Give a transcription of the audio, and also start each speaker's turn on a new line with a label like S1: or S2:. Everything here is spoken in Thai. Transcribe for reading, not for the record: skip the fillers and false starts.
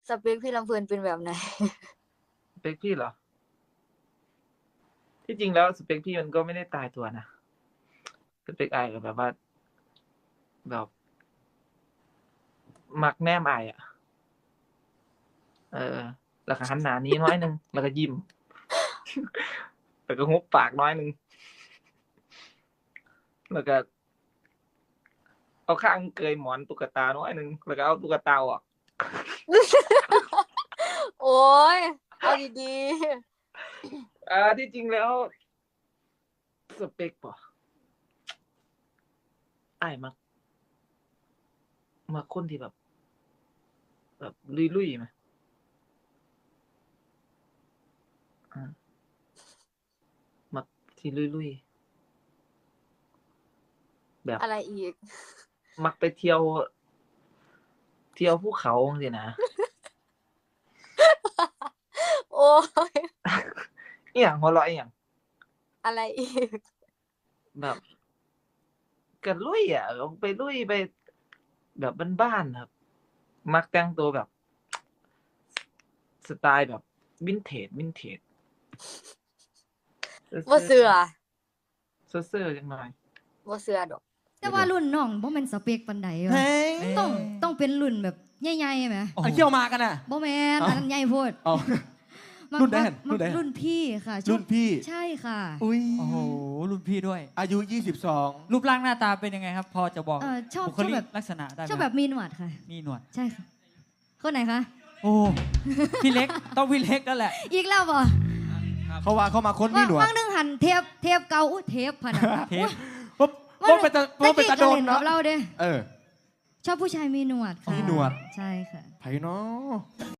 S1: สเปคพี่ลำเพลินเป็นแบบไหน
S2: สเปคพี่เหรอที่จริงแล้วสเปคพี่มันก็ไม่ได้ตายตัวนะสเปคไอก็แบบว่าแบบมักแนมไออ่ะแล้วก็หันหน้านี้น้อยนึงแล้วก็ยิ้ม แล้วก็หุบปากน้อยนึงแล้วก็เอาข้างเกยหมอนตุ๊กตาน้อยนึงแล้วก็เอาตุ๊กตาออก
S1: โอ้ยเอาดี
S2: ที่จริงแล้วสเปคป่ะไอ้ายมักคนที่แบบลุยๆไหมมักที่ลุยๆแบบ
S1: ๆอะไรอีก
S2: มักไปเที่ยวภูเขาสินะ
S1: โอ้ย
S2: อหย่างหัวเราะอหย่าง
S1: อะไรอีก
S2: แบบก็ลุยอ่ะลงไปลุยไปแบบบ้านๆครับ มักแต่งตัวแบบ สไตล์แบบวินเทจ
S1: บ่เสือ
S2: เซ่อๆจังหน่อย
S1: บ่เสือดอก
S3: แต่ว่ารุ่นน้องบ่แม่นสเปกปานใดวะ
S4: เฮ้ย
S3: ต้องเป็นรุ่นแบบใหญ่ๆไหม
S4: อันเกี่ยวมากันอ่ะ
S3: บ่แม่นอันนั้นใหญ่โพด
S4: เอา
S3: มัก
S4: รุ่นแดน
S3: มัก
S4: รุ่นแดน
S3: รุ่นพี่ค่ะชอบ
S4: รุ่นพี่
S3: ใช่ค่ะ
S4: อุ้ย
S5: โอ้โหรุ่นพี่ด้วย
S4: อายุ
S5: รูปร่างหน้าตาเป็นยังไงครับ พอจะบอก
S3: ชอบ
S5: บุค
S3: ชอบ
S5: ลิ
S3: แบบ
S5: กลักษณะได้ไหม
S3: ชอบแบบมีหนวดค่ะ
S5: มีหนวด
S3: ใช่ค่ะคนไหนคะ
S5: โอ้พี่เล็กต้องพี่เล็กนั่นแหละ
S3: อีกแล้วบ่
S4: 22เขาว่าเขามาค้นมีหนวด
S3: ว่างนึงหันเทปเก่าอุ๊ยเทปพะนะ
S5: เทป
S4: ปุ๊บปุ๊บเป็นตะโดน
S3: เนาะ
S4: เนาะ
S3: เราเด้
S4: เออ
S3: ชอบผู้ชายมีหนวดค่ะ
S4: มีหนวด
S3: ใช่ค่ะ
S4: ไผเนาะ